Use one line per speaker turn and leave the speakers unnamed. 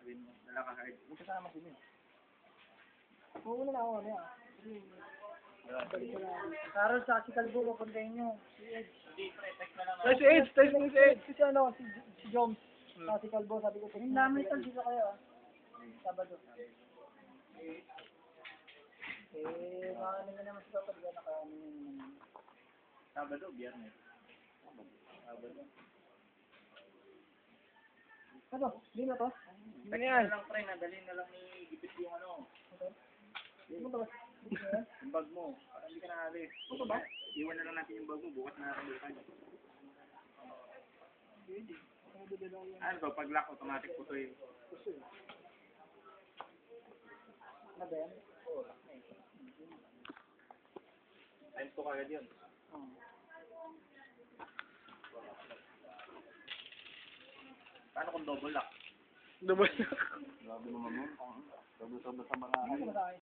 sabihin mo, dala ka hard. May kasama si Min.
Muna na ako, ano yan. Balik ko lang. Carol sa si Calvo, papuntahin nyo. Si Edge.
Hindi, pre, text na lang ako.
Tayo si Edge, tayo si Edge.
Kasi ano, si Joms. Sa si Calvo, sabi ko, yung namin ito, dito kayo ah. Sabado. Makakanin na naman sila pag nakaano.
Sabado, biyernes. Sabado.
Ano? Di na to?
Text na lang, pre, nadali na lang ni Gipit yung ano.
Ano to?
Yung bag mo. Para hindi ka naalis.
Ano ba?
Iwan na lang natin yung bag mo. Bukas na natin bukas. Ano to? Pag lock, automatic po to yun.
Ano ba yan?
Times to kagad yun. Paano kung double lock?
Double.
Grabe naman yun. Double sa mga...
Ano ba tayo?